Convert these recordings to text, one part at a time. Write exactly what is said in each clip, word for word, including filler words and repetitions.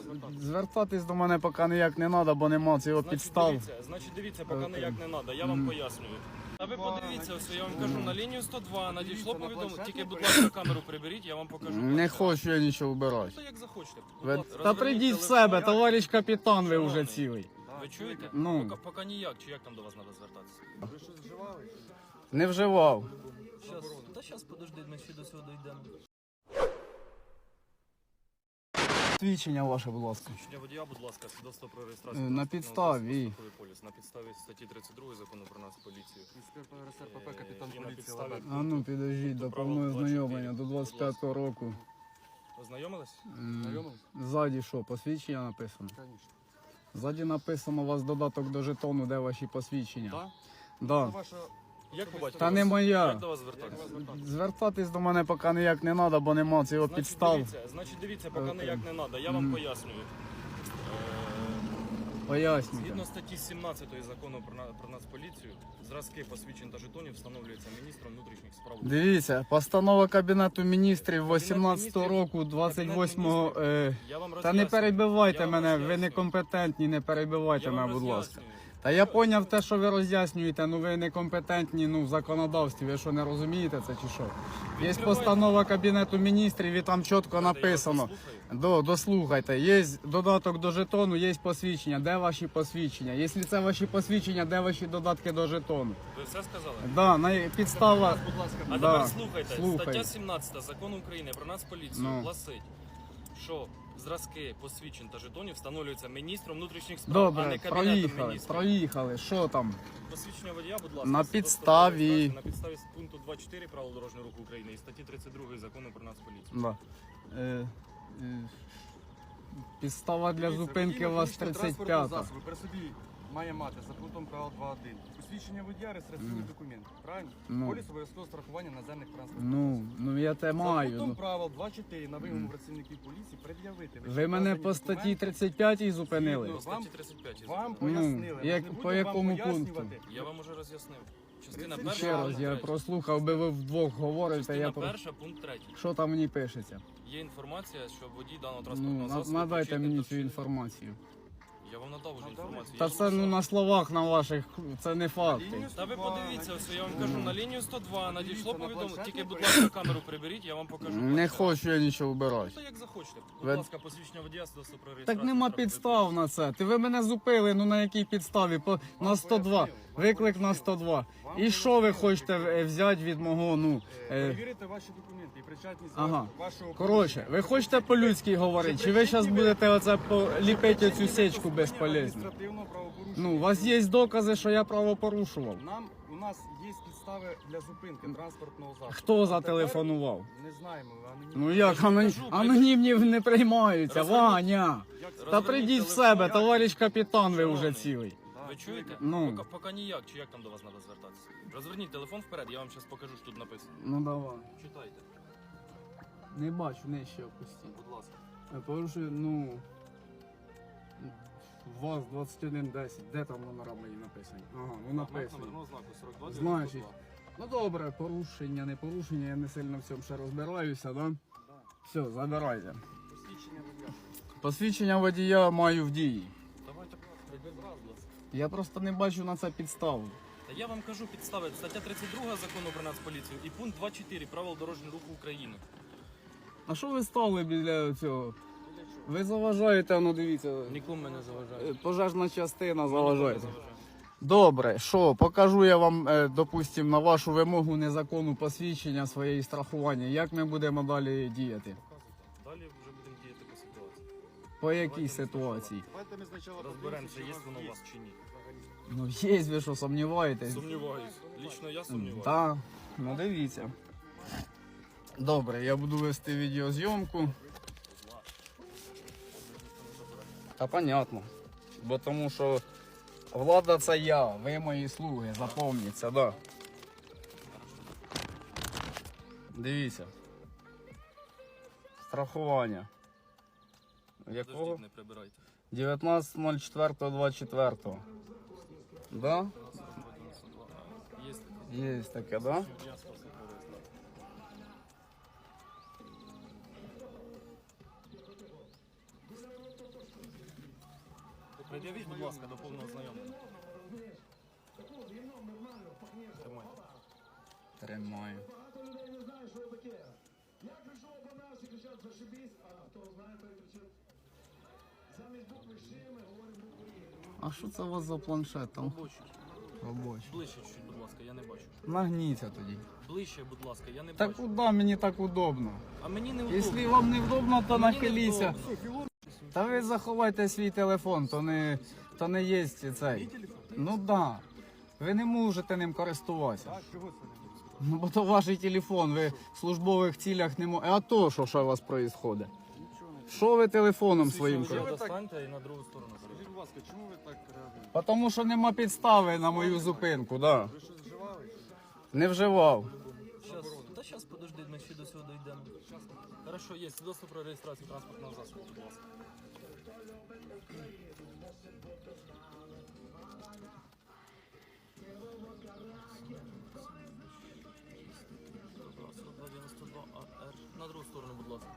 звертатися? Звертатись до мене поки ніяк не треба, бо нема цього Значить, підстав. дивіться, значить, дивіться, поки ніяк не треба, я вам пояснюю. А ви подивіться, все, я вам кажу, на лінію сто два надійшло повідомлення. Тільки, будь ласка, камеру приберіть, я вам покажу. Не хочу я нічого вбирати. То як захочете. Будь Ви- ласка, Та розверніть прийдіть в телефон. себе, товариш капітан, ви вже Шановний. цілий. Ви чуєте? Ну. Поки, поки ніяк, чи як там до вас треба звертатися? Ви щось вживали? Не вживав. Щас, та зараз, подожди, ми ще до цього дійдемо. Свідчення ваше, будь ласка. Свідчення водія, будь ласка, свідоцтво про реєстрацію. Е, на транспортного підставі. засобу, страховий поліс. На підставі статті тридцять два закону про нас поліцію. Інспектор РСРПП, капітан І на поліції підставі- Лабет. А ну підождіть, до повного знайомлення, до двадцять п'ятого року. Ознайомились? М, Знайомились? Ззаді що, посвідчення написано? Конечно. Ззаді написано у вас додаток до жетону, де ваші посвідчення. Так? Да. Це ваша... Як побачите? Та не моя. Як до вас звертатися? Звертатись до мене поки ніяк не треба, бо нема цього Значить, підстав. дивіться, значить, дивіться, поки Е, ніяк не треба, я вам пояснюю. Е, Пояснюйте. Згідно статті сімнадцятої закону про, на- про нас поліцію, зразки посвідчень та жетонів встановлюються міністром внутрішніх справ. Дивіться, постанова Кабінету міністрів вісімнадцятого міністрів, року, двадцять восьмого... Кабінет Е, Я вам та не роз'яснюю. перебивайте Я вам мене, ви роз'яснюю. некомпетентні, не перебивайте Я вам мене, будь ласка. роз'яснюю. Та я поняв те, що ви роз'яснюєте, ну ви некомпетентні ну, в законодавстві, ви що не розумієте це чи що? Є Відкривайте. постанова Кабінету міністрів і там чітко Я вас написано. дослухаю. До, дослухайте, є додаток до жетону, є посвідчення. Де ваші посвідчення? Якщо це ваші посвідчення, де ваші додатки до жетону? Ви все сказали? Да, на підстава. Будь ласка, А Да, тепер слухайте, слухаю. стаття сімнадцята закону України про нас поліцію Ну. гласить, що зразки посвідчень та жетонів встановлюються міністром внутрішніх справ, а Добре, не кабінетом проїхали, міністрів. проїхали. Що там? Посвідчення водія, будь ласка, На свідоцтво про підставі. реєстрацію На підставі пункту два чотири правил дорожнього руху України і статті тридцять два закону про нас поліцію. Да. Е, е, підстава для Дивіться, зупинки у вас водій тридцять транспортного п'ята. засобу при собі має мати за пунктом правил два один. Посвідчення водія, реєстраційний документ. Правильно? Ну. Поліс обов'язкового страхування наземних транспортних Ну, ну я те За маю. пунктом Ну. правил два чотири на вимогу працівників поліції пред'явити. Ви мене вказані по статті документи. тридцять п'ять зупинили. Згідно. По статті тридцять п'ять. я Вам зупинив. пояснили. Ми як- ж не по будемо якому вам пункту? пояснювати. Я вам уже роз'яснив. Частина Ще перша. Ще раз, пункт я третій. прослухав, би ви вдвох говорите, Частина я про... перша, пункт третій. Що там мені пишеться? Є інформація, що водій даного Ну, транспортного на- засобу... надайте причетний мені до цю вчинення- інформацію. Я вам надав вже інформацію. Та Я ж це ну написав. на словах на ваших, це не факти. Лінію Та ви сто два, подивіться, на- все, я вам кажу, на лінію сто два надійшло на повідомлення. планшеті Тільки, будь перейдіть. ласка, камеру приберіть, я вам покажу. Не планшет. хочу я нічого вбирати. То як захочете. Будь Ви- ласка, посвідчення водія, свідоцтво про реєстрацію. Так нема транспортного підстав на це. Ти ви мене зупили, ну на якій підставі? По, на сто два. Виклик на сто два. І що ви хочете е, взяти від мого, ну... Е, Е, Перевірити ваші документи і причетність Ага. вашого... коротше, ви хочете по-людськи говорити, чи ви зараз будете оце поліпити цю сечку безполезну? Адміністративного правопорушення. Ну, у вас є докази, що я правопорушував. Нам, у нас є підстави для зупинки транспортного засобу. Хто А зателефонував? тепер Не знаємо, анонімно. Ну як, Я анонім... ж кажу, анонімні не приймаються, Розверніть. Ваня. Як це? Та Розверніть прийдіть в телефон. себе, товариш капітан, ви вже Шановний. цілий. Да, Ви чуєте? Ну. Поки, поки ніяк, чи як там до вас треба звертатися? Розверніть телефон вперед, я вам зараз покажу, що тут написано. Ну давай. Читайте, Не бачу, нижче опустіть. будь ласка. Порушую, ну... ВАЗ двадцять один десять. Де там номера мої написані? Ага, ну написано. Номерного знаку сорок два Значить, ну добре, порушення, не порушення, я не сильно в цьому ще розбираюся, да? Все, забирайте. Посвідчення водія. Посвідчення водія маю в дії. Давайте, будь ласка. Я просто не бачу на це підставу. Та я вам кажу підстави. Стаття тридцять два закону про Нацполіцію і пункт два чотири правил дорожнього руху України. А що ви стали біля цього? Ви заважаєте, ну дивіться, Нікому мене заважає. е, пожежна частина заважає. Добре, що, покажу я вам, е, допустим, на вашу вимогу незаконну посвідчення своєї страхування. Як ми будемо далі діяти? Далі вже будемо діяти по ситуації. По якій ситуації? Давайте ми спочатку Розберемося, є подивимося, воно у чи вас чи ні. Ну є, ви що, сумніваєтесь? Сумніваюсь. Лічно я сумніваюсь. Так, ну дивіться. Добре, я буду вести відеозйомку. Та понятно. Бо тому що влада це я, ви мої слуги, запомніться, да. Дивіться. Страхування. Якого? Подождіть, не прибирайте. дев'ятнадцятого чотирнадцятого двадцять четвертого. Да? Є Є таке, да? я спасибо. Пред'явіть, будь ласка, до повного знайомлення. Тримайте. Тримаю. А що це у вас за планшет там? Робочий. Робочий. Ближче чуть, будь ласка, я не бачу. Нагніться тоді. Ближче, будь ласка, я не Так бачу. куди мені так удобно? А мені не удобно. Якщо вам не вдобно, то Мені не нахиліться. вдобно. Та ви заховайте свій телефон, то не, то не є цей. Ну так. Да. Ви не можете ним користуватися. Так, чого це не буде? Ну бо то ваш телефон, ви в службових цілях не можете. А то що, що у вас відбувається? Нічого не Що ви телефоном своїм Вже користуєтесь? достаньте і на другу сторону. Скажіть, будь ласка, чому ви так реагуєте? Тому що нема підстави на мою зупинку, да. Ви щось вживали? Не вживав. Щас, та зараз, подожди, ми ще до цього дійдемо. Хорошо, є свідоцтво про реєстрацію транспортного засобу, будь ласка. дев'яносто два АР. На другу сторону, будь ласка.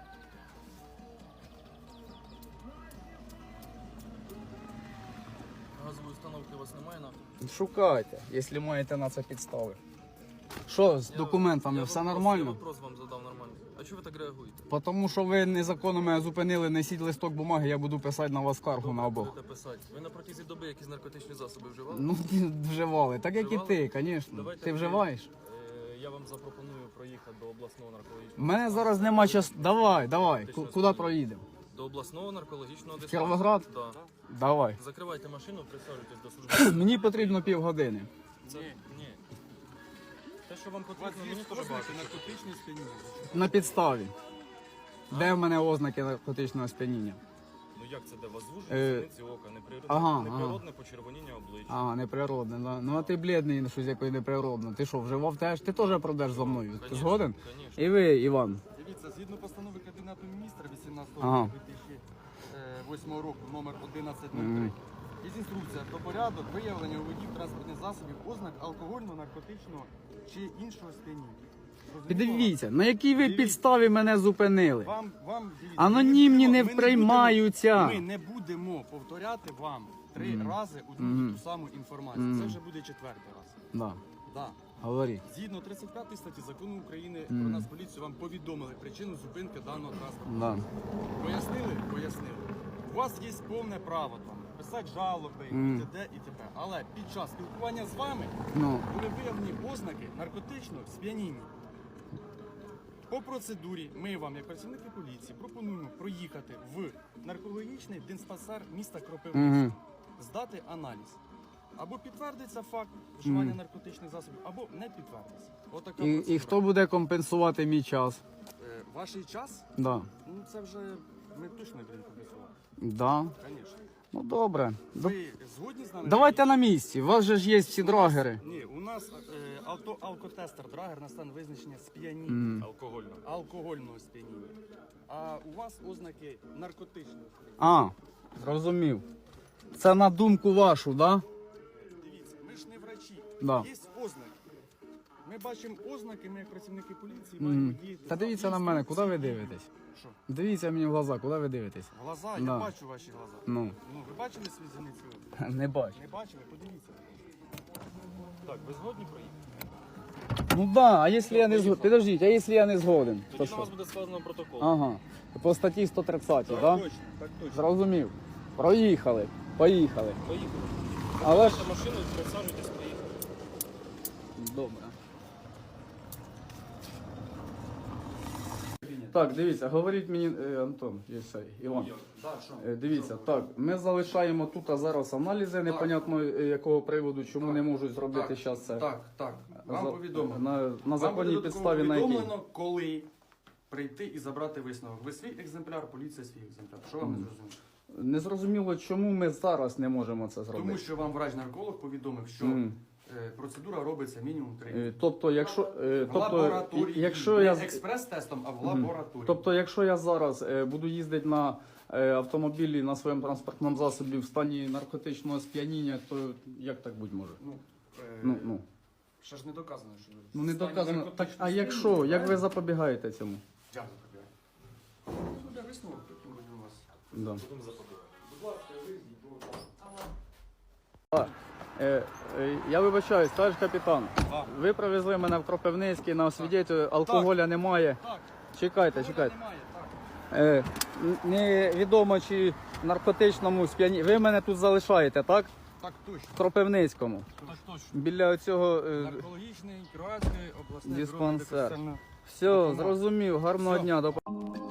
Газової установки у вас немає на? Шукайте, якщо маєте на це підстави. Що з документами, Я все вопрос- нормально? Я вопрос вам задав нормально. А чого ви так реагуєте? Тому що ви незаконно мене зупинили, несіть листок бумаги, я буду писати на вас скаргу на обох. Будете писати. Ви на протязі доби якісь наркотичні засоби вживали? Ну, вживали. Так як і ти, звісно. Давайте Ти ви- вживаєш? Е, Я вам запропоную проїхати до обласного У наркологічного мене зараз нема часу. Давай, давай. Ти Ку- що, Куди скажи? проїдемо? до обласного наркологічного диспансеру. Кіровоград? Да. Давай. Закривайте машину, присаджуйтесь до служби. Мені потрібно півгодини. Це ні. Те, що вам У вас потрібно, є мені теж ознаки багато. наркотичні сп'яніння? На підставі. Де в мене ознаки наркотичного сп'яніння? Ну як це де? Вас звужують Е, зіниці ока, неприродне, ага, неприродне почервоніння обличчя. А, неприродне, да. Ну а ти блідний, щось якось неприродне. Ти що, вживав теж? Ти теж пройдеш за мною. Ти Конечно, згоден? конечно. І ви, Іван. Дивіться, згідно постанови Кабінету міністра вісімнадцятого Ага. дві тисячі восьмого року, номер одинадцять нуль три, є інструкція про порядок виявлення у водіїв транспортних засобів ознак алкогольного, наркотичного чи іншого сп'яніння. Зрозуміло? Піддивіться, на якій ви Дивіться. підставі мене зупинили? Вам, вам, дивіться, Анонімні ми не будемо- приймаються. Ми не будемо повторяти вам три рази одну і Мгм. ту саму інформацію. Мгм. Це вже буде четвертий раз. Да. Да. Говори. Згідно тридцять п'ятої статті закону України Мгм. про Нацполіцію вам повідомили причину зупинки даного транспорту. Да. Пояснили? Пояснили. У вас є повне право там писати жалоби, Мгм. і т.д. і т.п. Але під час спілкування з вами Ну, були виявлені ознаки наркотичного сп'яніння. По процедурі ми вам, як працівники поліції, пропонуємо проїхати в наркологічний диспансер міста Кропивницького, Мгм. здати аналіз. Або підтвердиться факт вживання Мгм. наркотичних засобів, або не підтвердиться. Отака і, процедура. і хто буде компенсувати мій час? Е, Ваш час, Да. ну це вже ми точно не будемо компенсувати. Да. Звісно. Ну добре. До- Ви згодні з нами? Давайте на місці. У вас же ж є всі драгери. Ні, у нас е, авто, алкотестер драгер на стан визначення сп'яніння, М. Алкогольно. алкогольного сп'яніння. А у вас ознаки наркотичного сп'яніння. А, зрозумів. Це на думку вашу, да? Дивіться, ми ж не врачі. Да. Є ознаки. Ми бачимо ознаки, ми як працівники поліції Мгм. маємо діяти. Та дивіться на мене, куди ви дивитесь? Що? Дивіться мені в глаза, куди ви дивитесь? Глаза, Да. я бачу ваші глаза. Ну, Ну, ви бачили свій зіниці ока? не бачу. Не бачили? Подивіться. Так, ви згодні проїхати? Ну да, а якщо я не згоден? Підождіть, а якщо я не згоден? То Тоді на вас що? буде складено протокол. Ага. По статті сто тридцять, так? Да? Точно, так точно. Зрозумів. Проїхали. Поїхали. Поїхали. Але ж. Закривайте машину, присаджуйтесь, поїхали. Добре. Так, дивіться, говорить мені е, Антон, є цей, Іван. Да, що? Е, Дивіться, так, ми залишаємо тут а зараз аналізи, непонятно е, якого приводу, чому не можуть зробити Так, зараз це. Так, так. Вам За- повідомлено. На, на Вам законній буде підставі на якій? повідомлено, коли прийти і забрати висновок. Ви свій екземпляр, поліція свій екземпляр. Що вам не зрозуміло? Незрозуміло, чому ми зараз не можемо це зробити. Тому що вам врач-нарколог повідомив, що Мгм. е, процедура робиться мінімум три. Е, Тобто, якщо, е, В тобто, лабораторії, якщо не я, експрес-тестом, а в Мгм. лабораторії. тобто, якщо я зараз е, буду їздити на е, автомобілі на своєму транспортному засобі в стані наркотичного сп'яніння, то як так бути може? Ну, е, Ну, ну. ще ж не доказано, що ви Ну не в стані доказано. Так, наркотичного а якщо, сп'яніння, як ви правильно? запобігаєте цьому? Дякую, Кабіра. Буде висновок, потім будемо вас. Да. Будемо запобігати. Е, е, я вибачаюсь, товариш капітан. Так. Ви привезли мене в Кропивницький на освідчення, алкоголя немає. Так, Чекайте, чекайте. немає, так. Е, н- невідомо чи в наркотичному сп'яні. Ви мене тут залишаєте, так? Так точно. В Кропивницькому. Так точно. Біля цього. Е, Наркологічний, Кіровоградський обласний Диспансер. бюро медико-соціального все, зрозумів. Гарного Все. дня. До